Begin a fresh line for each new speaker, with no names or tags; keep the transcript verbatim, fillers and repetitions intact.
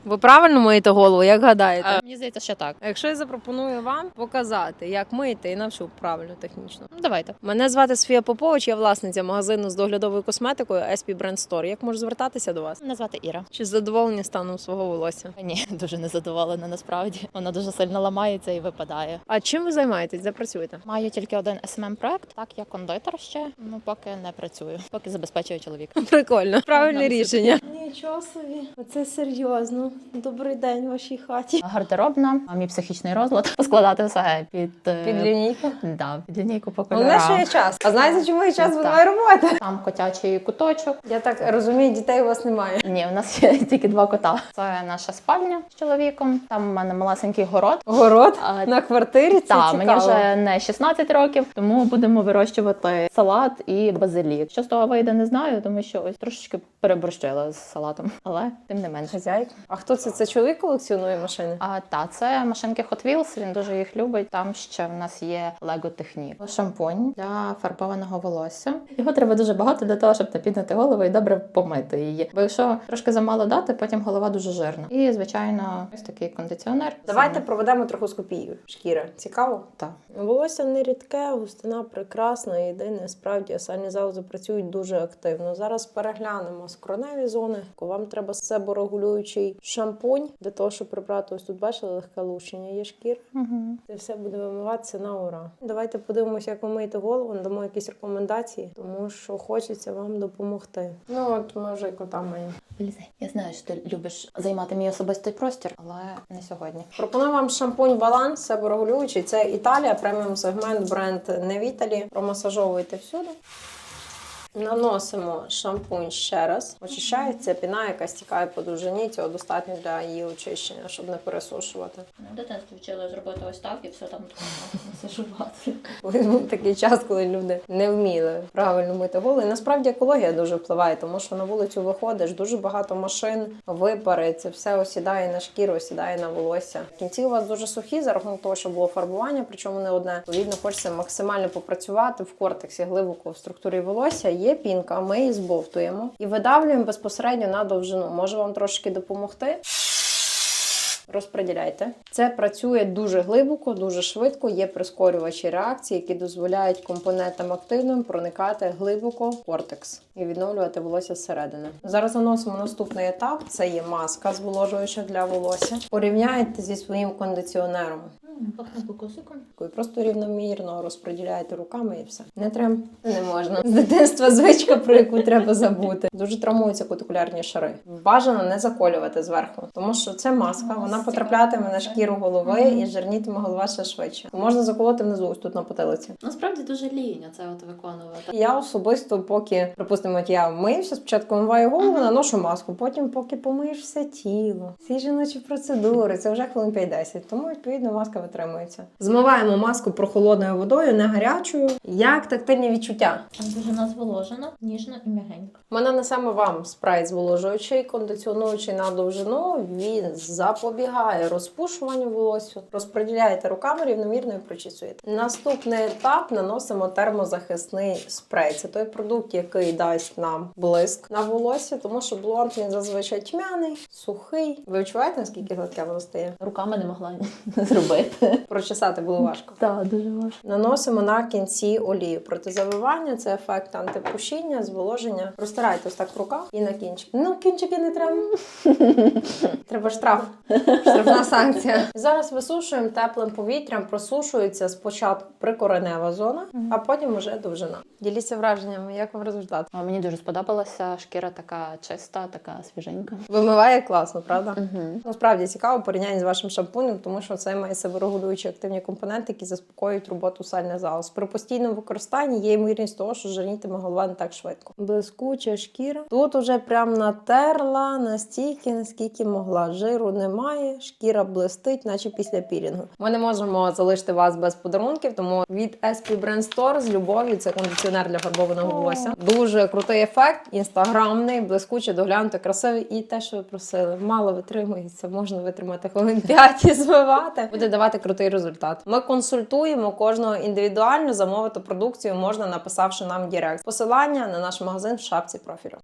Ви правильно миєте голову, як гадаєте?
А, мені здається, що так.
А якщо я запропоную вам показати, як мити і навчу правильно технічно.
Ну, давайте.
Мене звати Софія Попович, я власниця магазину з доглядовою косметикою ес пі Brand Store. Як можу звертатися до вас?
Мене звати Іра.
Чи задоволені станом свого волосся?
Ні, дуже незадоволена насправді. Вона дуже сильно ламається і випадає.
А чим ви займаєтесь? Де працюєте?
Маю тільки один ес ем ем-проект. Так, я кондитер ще, ну поки не працюю. Поки забезпечую чоловіка.
Прикольно. Правильне
Нам
рішення. Нічого собі. Оце серйозно. Добрий день в вашій хаті.
Гардеробна, а мій психічний розлад. Поскладати все під... е,
Під лінійку.
Да, під лінійку по
Головне, що є
кольорам.
час. А знаєте, чому є час? Бо
Так.
немає роботи.
Там котячий куточок.
Я так розумію, дітей у вас немає.
Ні, у нас є тільки два кота. Це наша спальня з чоловіком. Там у мене малесенький город.
Город
А,
на квартирі, це
Так,
цікаво.
мені вже не шістнадцять років, тому будемо вирощувати салат і базилік. Що з того вийде, не знаю, тому що ось трошечки переборщила з салатом, але тим не менше.
Хазяйка. А хто це? Це чоловік колекціонує машини?
А та це машинки Hot Wheels, він дуже їх любить. Там ще в нас є Lego Technique. Шампунь для фарбованого волосся. Його треба дуже багато для того, щоб напіднити голову і добре помити її. Бо якщо трошки замало дати, потім голова дуже жирна. І звичайно, ось такий кондиціонер.
Давайте проведемо трохоскопію шкіри. Цікаво?
Так.
Волосся не рідке, густина прекрасна. Єдине, справді, сальні залози працюють дуже активно. Зараз переглянемо скроневі зони. Вам треба себорегулюючий шампунь для того, щоб прибрати. Ось тут бачили легке лущення є шкіри.
Угу.
Це все буде вимиватися на ура. Давайте подивимося, як ви миєте голову, надамо якісь рекомендації, тому що хочеться вам допомогти. Ну от ми вже і кота маємо.
Вилізай. Я знаю, що ти любиш займати мій особистий простір, але не сьогодні.
Пропоную вам шампунь Баланс, себорегулюючий. Це Італія, преміум сегмент, бренд Невіталі. Промасажовуйте всюди. Наносимо шампунь ще раз. Очищається піна, яка стікає по довжині. Цього достатньо для її очищення, щоб не пересушувати.
В дитинстві вчили зробити ось так і все там масажувати.
Колись був такий час, коли люди не вміли правильно мити голову. І насправді екологія дуже впливає, тому що на вулицю виходиш, дуже багато машин, випари, це все осідає на шкіру, осідає на волосся. Кінці у вас дуже сухі за рахунок того, що було фарбування, причому не одне. Відповідно, хочеться максимально попрацювати в кортексі глибоко в структурі волосся. Є пінка, ми її збовтуємо і видавлюємо безпосередньо на довжину. Може вам трошки допомогти? Розподіляйте. Це працює дуже глибоко, дуже швидко. Є прискорювачі реакції, які дозволяють компонентам активним проникати глибоко в кортекс і відновлювати волосся зсередини. Зараз наносимо наступний етап. Це є маска зволожуюча для волосся. Порівняйте зі своїм кондиціонером.
Пахне кокосиком.
І просто рівномірно розподіляєте руками і все. Не треба. Не можна. З дитинства звичка, про яку треба забути. Дуже травмуються кутикулярні шари. Бажано не заколювати зверху, тому що це маска, вона потраплятиме на шкіру голови і жирнітиме голова ще швидше. Можна заколоти внизу, ось тут на потилиці.
Насправді дуже лінь це от виконувати.
Я особисто, поки, припустимо, от я вмився, спочатку вмиваю голову, наношу маску, потім поки помиєш все тіло. Всі жіночі процедури, це вже хвилин п'ять-десять, тому, відповідно, маска витримується. Змиваємо маску прохолодною водою, не гарячою. Як тактильні відчуття?
Там дуже назволожено, ніжно і м'ягенько.
Ми нанесемо вам спрей зволожуючий, кондиціонуючий на довжину. Він запобігає розпушуванню волосся. Розподіляєте руками рівномірно і прочісуєте. Наступний етап наносимо термозахисний спрей. Це той продукт, який дасть нам блиск на волосся, тому що блонд він зазвичай тьмяний, сухий. Ви відчуваєте, наскільки гладке воно стає?
Руками не могла зробити.
Прочесати було важко.
Так, дуже важко.
Наносимо на кінці олію. Протизавивання – це ефект антипушіння, зволоження. Розтирайте ось так в руках і на кінчик. Ну, кінчики не треба. Треба штраф. Штрафна санкція. Зараз висушуємо теплим повітрям. Просушується спочатку прикоренева зона, а потім уже довжина. Діліться враженнями, як вам результат?
А мені дуже сподобалася. Шкіра така чиста, така свіженька.
Вимиває класно, правда?
Угу.
Насправді цікаво порівняння з вашим шампунем, тому що це має себорегулюючі активні компоненти, які заспокоюють роботу сальних залоз. При постійному використанні є ймовірність того, що жирнітиме голова не так швидко. Блискуча шкіра. Тут уже прям натерла настільки, наскільки могла. Жиру немає, шкіра блистить, наче після пілінгу. Ми не можемо залишити вас без подарунків, тому від ес пі Brand Store з любов'ю це кондиціонер для фарбованого волосся. Дуже крутий ефект, інстаграмний, блискучий, доглянутий, красивий і те, що ви просили. Мало витримується, можна витримати хвилин п'ять і змивати. Буде давати крутий результат. Ми консультуємо кожного індивідуально, замовити продукцію можна, написавши нам в Директ. Посилання на наш магазин в шапці профілю.